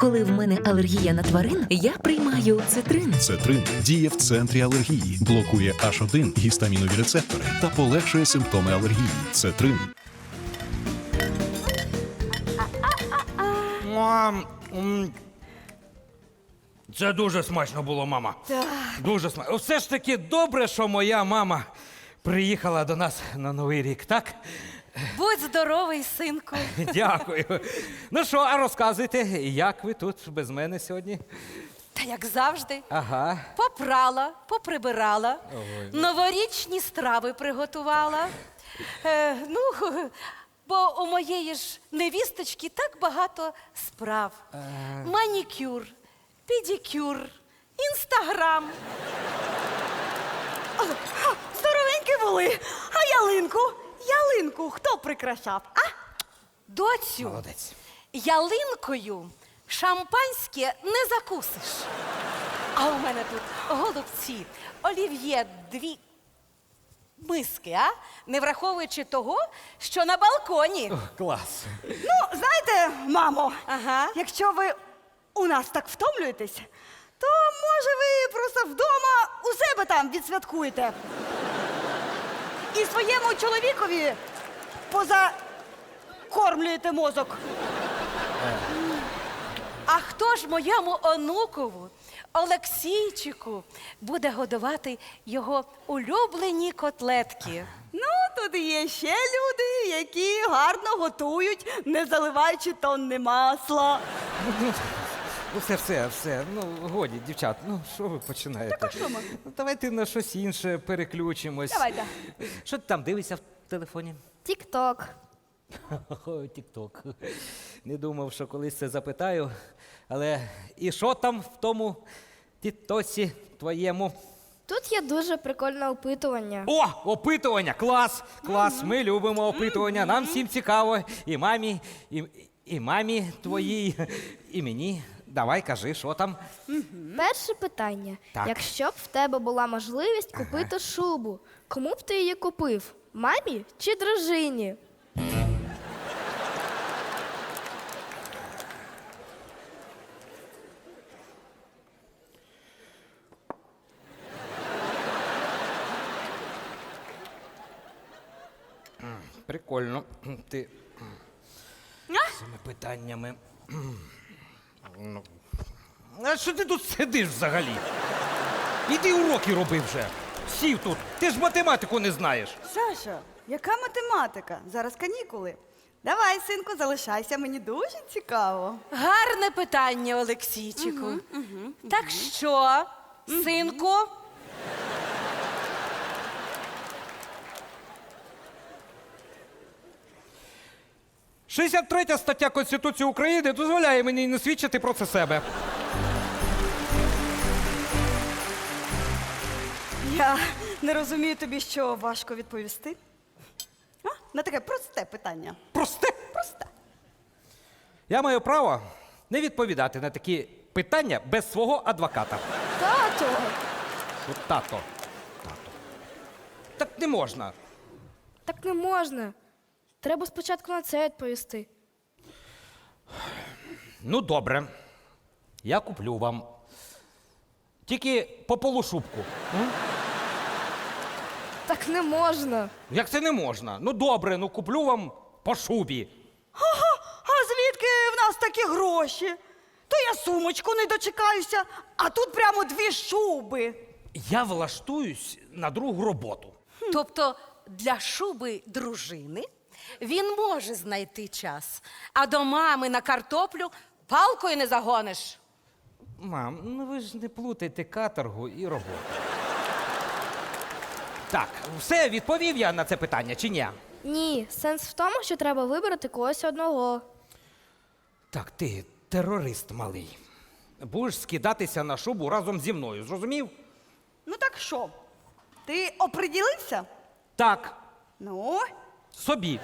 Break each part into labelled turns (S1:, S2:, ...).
S1: Коли в мене алергія на тварин, я приймаю цитрин.
S2: Цетрин діє в центрі алергії, блокує H1 гістамінові рецептори та полегшує симптоми алергії. Цетрин.
S3: Мам, це дуже смачно було, мама.
S4: Так.
S3: Дуже смачно. Все ж таки добре, що моя мама приїхала до нас на Новий рік, так?
S4: Будь здоровий, синку.
S3: Дякую. Ну що, а розказуйте, як ви тут без мене сьогодні?
S4: Та як завжди.
S3: Ага.
S4: Попрала, поприбирала, новорічні страви приготувала. Бо у моєї ж невісточки так багато справ. Манікюр, педикюр, інстаграм.
S5: Здоровенькі були. А ялинку хто прикрашав, а?
S4: Доцю,
S3: Молодець.
S4: ялинкою шампанське не закусиш. А у мене тут голубці, олів'є, 2 миски, а? Не враховуючи того, що на балконі.
S3: Клас.
S5: Ну, знаєте, мамо,
S4: Ага.
S5: якщо ви у нас так втомлюєтесь, то, може, ви просто вдома у себе там відсвяткуєте. І своєму чоловікові позакормлюєте мозок.
S4: А хто ж моєму онукову, Олексійчику, буде годувати його улюблені котлетки?
S5: Ну, тут є ще люди, які гарно готують, не заливаючи тонни масла.
S3: Ну, все. Ну, годі, дівчат, ну, що ви починаєте?
S5: Так, а що ми?
S3: Ну, давайте на щось інше переключимось.
S5: Давайте.
S3: Що ти там дивишся в телефоні?
S6: Тік-ток.
S3: Ой, тік-ток. Не думав, що колись це запитаю. Але і що там в тому тітосі твоєму?
S6: Тут є дуже прикольне опитування.
S3: О, опитування! Клас! Клас! Ми любимо опитування. Нам всім цікаво. І мамі твоїй, і мені. Давай, кажи, що там?
S6: Перше питання.
S3: Так.
S6: Якщо б в тебе була можливість купити шубу, кому б ти її купив? Мамі чи дружині?
S3: Прикольно. Ти цими питаннями. Ну. А що ти тут сидиш взагалі? Іди уроки роби вже. Сів тут. Ти ж математику не знаєш.
S5: Саша, яка математика? Зараз канікули. Давай, синку, залишайся, мені дуже цікаво.
S4: Гарне питання, Олексійчику. Так що, синку?
S3: – 63 стаття Конституції України дозволяє мені не свідчити проти себе.
S5: Я не розумію тобі, що важко відповісти. А? На таке просте питання.
S3: Просте.
S5: Просте.
S3: Я маю право не відповідати на такі питання без свого адвоката.
S6: Тато!
S3: От тато. Так не можна.
S6: Так не можна. Треба спочатку на це відповісти.
S3: Ну, добре. Я куплю вам. Тільки по полушубку.
S6: Так не можна.
S3: Як це не можна? Ну, добре, ну куплю вам по шубі.
S5: А звідки в нас такі гроші? То я сумочку не дочекаюся, а тут прямо 2 шуби.
S3: Я влаштуюсь на другу роботу.
S4: Тобто для шуби дружини він може знайти час, а до мами на картоплю палкою не загониш.
S3: Мам, ну ви ж не плутайте каторгу і роботу. Так, все, відповів я на це питання, чи ні?
S6: Ні, сенс в тому, що треба вибрати когось одного.
S3: Так, ти терорист малий. Будеш скидатися на шубу разом зі мною, зрозумів?
S5: Ну так що? Ти оприділився?
S3: Так,
S5: Ну,
S3: собі.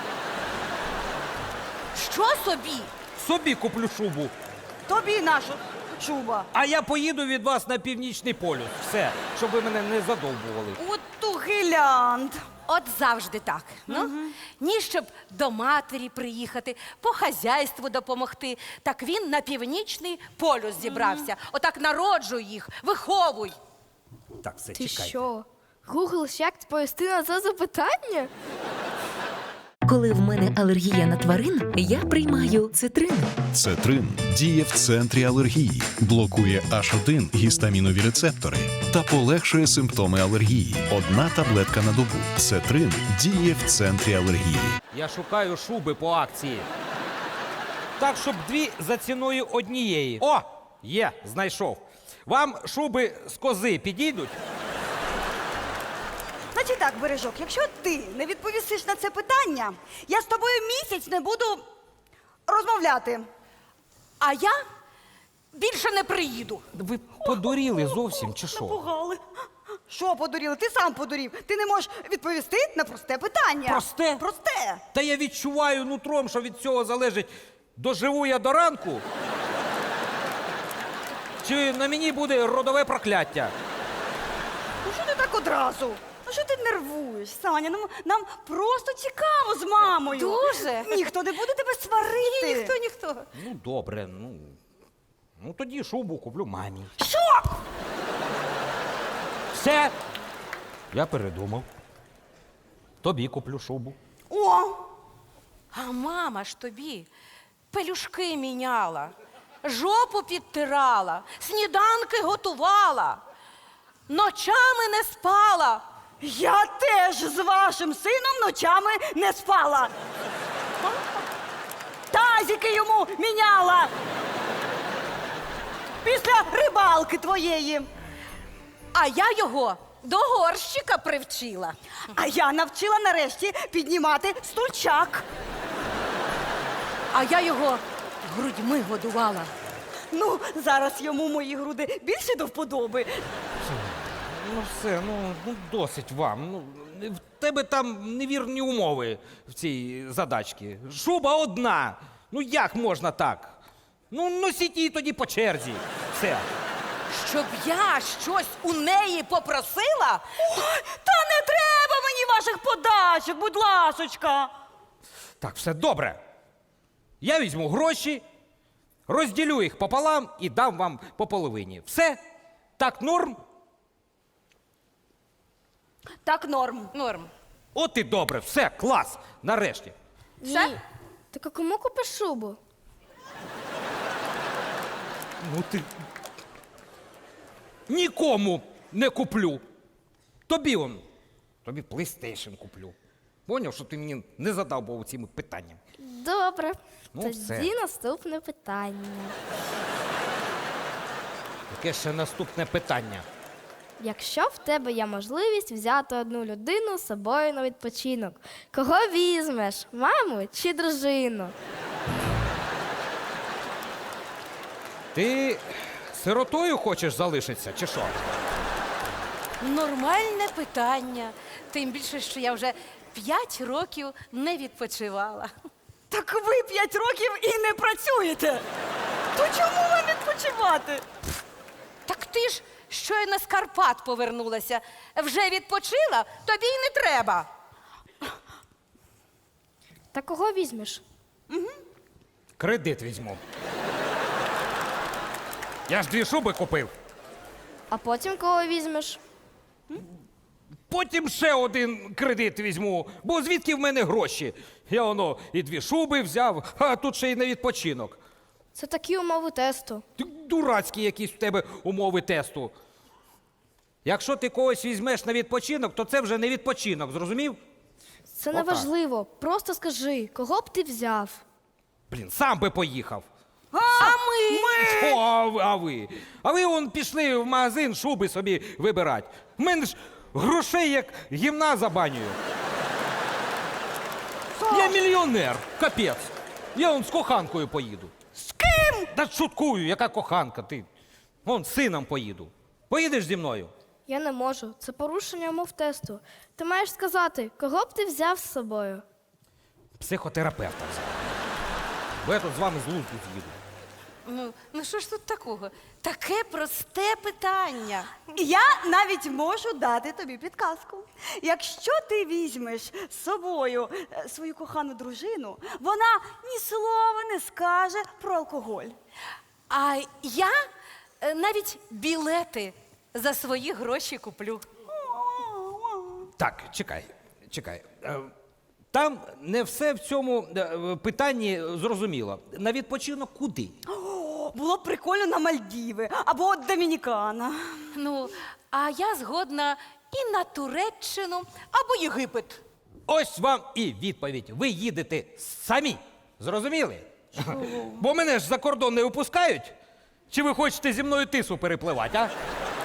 S4: Що собі?
S3: Собі куплю шубу.
S5: тобі наша шуба.
S3: А я поїду від вас на Північний полюс. Все, щоб ви мене не задовбували.
S5: От ту гілянт.
S4: От завжди так. Ну, ні, щоб до матері приїхати, по хазяйству допомогти. Так він на північний полюс зібрався. Отак народжуй їх, виховуй.
S3: Так, все,
S6: Ти
S3: чекайте.
S6: що? Гуглиш, як відповісти на це запитання?
S1: Коли в мене алергія на тварин, я приймаю цитрин.
S2: Цетрин діє в центрі алергії, блокує H1 гістамінові рецептори та полегшує симптоми алергії. Одна таблетка на добу. Цетрин діє в центрі алергії.
S3: Я шукаю шуби по акції. Так, щоб 2 за ціною однієї. О! Є, знайшов. Вам шуби з кози підійдуть?
S5: Значить так, Бережок, якщо ти не відповісиш на це питання, я з тобою місяць не буду розмовляти.
S4: А я більше не приїду.
S3: Ви подуріли зовсім, чи що?
S5: Напугали. Що подуріли? Ти сам подурів. Ти не можеш відповісти на просте питання.
S3: Просте?
S5: Просте.
S3: Та я відчуваю нутром, що від цього залежить, доживу я до ранку, чи на мені буде родове прокляття.
S5: Ну що ти так одразу? Ну що ти нервуєш, Саня? Нам просто цікаво з мамою.
S4: Дуже.
S5: Ніхто не буде тебе сварити.
S4: Ніхто.
S3: Ну, добре, ну тоді шубу куплю мамі.
S5: Що?
S3: Все. Я передумав. Тобі куплю шубу.
S5: О!
S4: А мама ж тобі пелюшки міняла, жопу підтирала, сніданки готувала, ночами не спала.
S5: Я теж з вашим сином ночами не спала. Тазики йому міняла. Після рибалки твоєї.
S4: А я його до горщика привчила.
S5: А я навчила нарешті піднімати стульчак.
S4: А я його грудьми годувала.
S5: Ну, зараз йому мої груди більше до вподоби.
S3: Ну все, ну досить вам. Ну, в тебе там невірні умови в цій задачці. Шуба одна. Ну як можна так? Ну носіть її тоді по черзі. Все.
S4: Щоб я щось у неї попросила?
S5: Та не треба мені ваших подачок, будь ласочка.
S3: Так, все добре. Я візьму гроші, розділю їх пополам і дам вам по половині. Все? Так норм?
S5: Так, норм.
S4: Норм.
S3: От і добре, все, клас. Нарешті.
S4: Все?
S6: Ні. Так а кому купиш шубу?
S3: Ну ти. Нікому не куплю. Тобі тобі PlayStation куплю. Поняв, що ти мені не задав був цими питаннями.
S6: Добре.
S3: Ну,
S6: Тоді
S3: все.
S6: наступне питання.
S3: Яке ще наступне питання?
S6: Якщо в тебе є можливість взяти одну людину з собою на відпочинок, кого візьмеш? Маму чи дружину?
S3: Ти сиротою хочеш залишитися, чи що?
S4: Нормальне питання. Тим більше, що я вже 5 років не відпочивала.
S5: Так ви 5 років і не працюєте. То чому вам відпочивати?
S4: Так ти ж щойно з Карпат повернулася. Вже відпочила? Тобі й не треба.
S6: Та кого візьмеш?
S3: Кредит візьму. Я ж 2 шуби купив.
S6: А потім кого візьмеш?
S3: Потім ще один кредит візьму, бо звідки в мене гроші? Я і 2 шуби взяв, а тут ще й на відпочинок.
S6: Це такі умови тесту.
S3: Ти дурацькі якісь в тебе умови тесту. Якщо ти когось візьмеш на відпочинок, то це вже не відпочинок, зрозумів?
S6: Це не важливо. Просто скажи, кого б ти взяв?
S3: Блін, сам би поїхав.
S4: А ми?
S3: О, а ви? А ви пішли в магазин шуби собі вибирати. В мене ж грошей як гімна за банею. Я мільйонер, капець. Я з коханкою поїду.
S5: З ким?
S3: Та шуткую, яка коханка ти? З сином поїду. Поїдеш зі мною?
S6: Я не можу. Це порушення умов тесту. Ти маєш сказати, кого б ти взяв з собою?
S3: Психотерапевта взяв. Бо я тут з вами з глузду з'їду.
S4: Ну що ж тут такого? Таке просте питання.
S5: Я навіть можу дати тобі підказку. Якщо ти візьмеш з собою свою кохану дружину, вона ні слова не скаже про алкоголь.
S4: А я навіть білети за свої гроші куплю.
S3: Так, чекай. Там не все в цьому питанні зрозуміло. На відпочинок куди?
S5: О, було б прикольно на Мальдіви або Домінікана.
S4: Ну, а я згодна і на Туреччину або Єгипет.
S3: Ось вам і відповідь. Ви їдете самі. Зрозуміли? Бо мене ж за кордон не випускають. Чи ви хочете зі мною тису перепливати, а?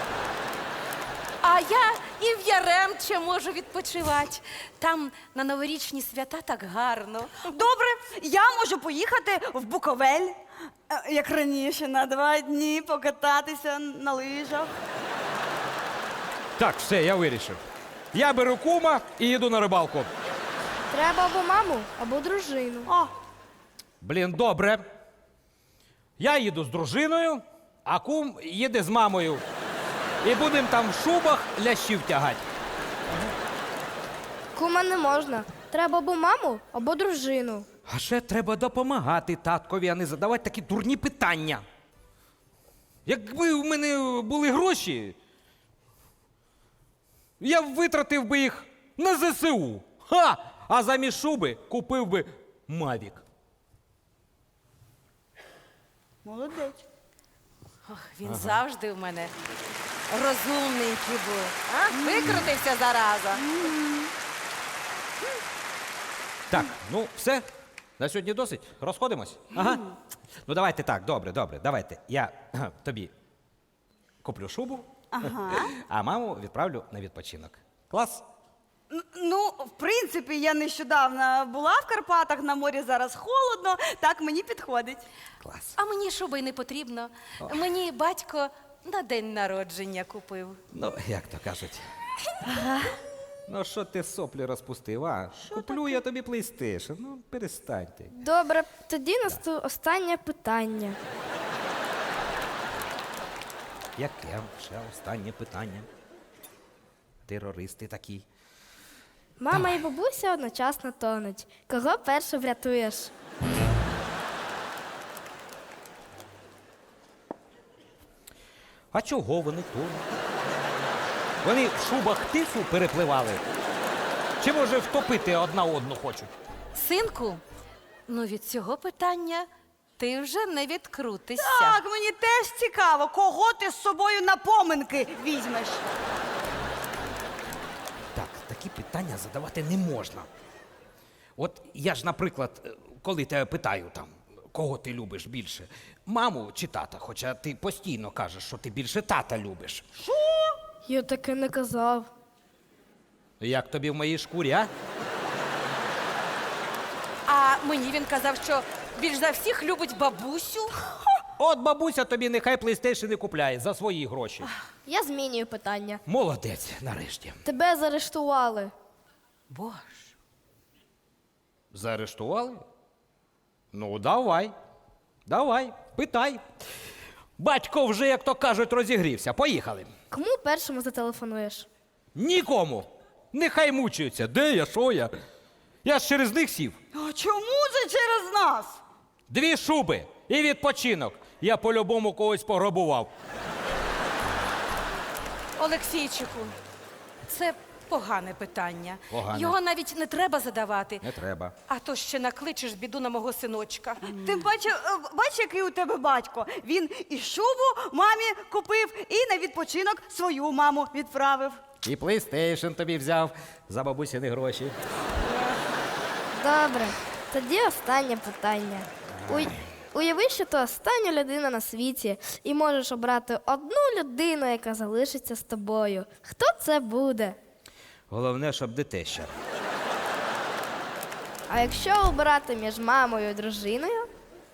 S4: А я і в Яремче можу відпочивати. Там на новорічні свята так гарно.
S5: Добре, я можу поїхати в Буковель, як раніше, на 2 дні покататися на лижах.
S3: Так, все, я вирішив. Я беру кума і їду на рибалку.
S6: Треба або маму, або дружину.
S5: О,
S3: Блін, добре. Я їду з дружиною, а кум їде з мамою. І будемо там в шубах лящів тягати.
S6: Кума не можна. Треба або маму, або дружину.
S3: А ще треба допомагати таткові, а не задавати такі дурні питання. Якби в мене були гроші, я б витратив би їх на ЗСУ. Ха! А замість шуби купив би Мавік.
S5: молодець.
S4: Ох, він завжди в мене розумненький був. А? Викрутився зараза.
S3: Так, ну все. На сьогодні досить. Розходимось? Ага. Ну давайте так, добре, давайте. Я тобі куплю шубу, а маму відправлю на відпочинок. Клас?
S5: Ну, в принципі, я нещодавно була в Карпатах, на морі зараз холодно, так мені підходить.
S3: Клас.
S4: А мені шуби й не потрібно. Мені батько на день народження купив.
S3: Ну, як то кажуть. Ну, що ти соплі розпустив, а? Куплю я тобі PlayStation. Ну, перестаньте.
S6: Добре, тоді останнє питання.
S3: Яке ще останнє питання? Терористи такі.
S6: Мама і бабуся одночасно тонуть. Кого перше врятуєш?
S3: А чого вони тут? Вони в шубах тису перепливали? Чи, може, втопити одна одну хочуть?
S4: Синку, ну від цього питання ти вже не відкрутишся.
S5: Так, мені теж цікаво, кого ти з собою на поминки візьмеш.
S3: Так, такі питання задавати не можна. От я ж, наприклад, коли тебе питаю там, кого ти любиш більше, маму чи тата, хоча ти постійно кажеш, що ти більше тата любиш.
S6: Я таке не казав.
S3: Як тобі в моїй шкурі, а?
S4: А мені він казав, що більш за всіх любить бабусю.
S3: От бабуся тобі нехай PlayStation і купляє за свої гроші.
S6: Я змінюю питання.
S3: Молодець, нарешті.
S6: Тебе заарештували.
S4: Боже.
S3: Заарештували? Ну, давай, питай. Батько вже, як то кажуть, розігрівся. Поїхали.
S6: Кому першому зателефонуєш?
S3: Нікому. Нехай мучаються. Де я, що я? Я ж через них сів.
S5: А чому це через нас?
S3: 2 шуби і відпочинок. Я по-любому когось пограбував.
S4: Олексійчику, це погане питання.
S3: Погане.
S4: Його навіть не треба задавати.
S3: Не треба.
S4: А то ще накличеш біду на мого синочка.
S5: Тим паче, бач, який у тебе батько. Він і шубу мамі купив, і на відпочинок свою маму відправив.
S3: І PlayStation тобі взяв за бабусіни гроші.
S6: Добре, тоді останнє питання. Уяви, що ти остання людина на світі і можеш обрати одну людину, яка залишиться з тобою. Хто це буде?
S3: Головне, щоб дитеща.
S6: А якщо обирати між мамою і дружиною?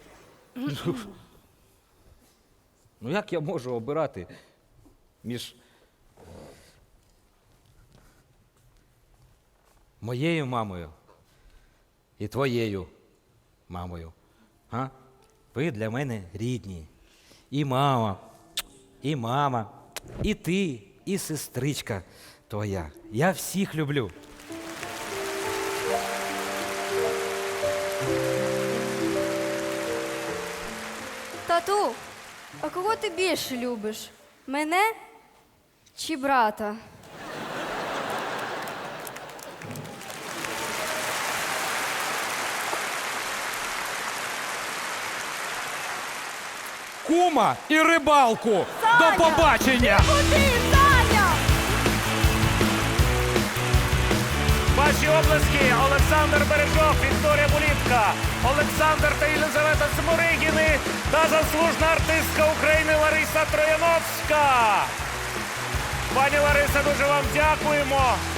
S3: Ну як я можу обирати між моєю мамою і твоєю мамою? А? Ви для мене рідні. І мама, і ти, і сестричка твоя. Я всіх люблю.
S6: Тату, а кого ти більше любиш? Мене чи брата?
S3: Кума і рибалку. До побачення!
S5: Куди, Саня?
S7: Ваші обласки Олександр Бережок, Вікторія Булітка, Олександр та Єлизавета Сморигіни та заслужена артистка України Лариса Трояновська. Пані Лариса, дуже вам дякуємо.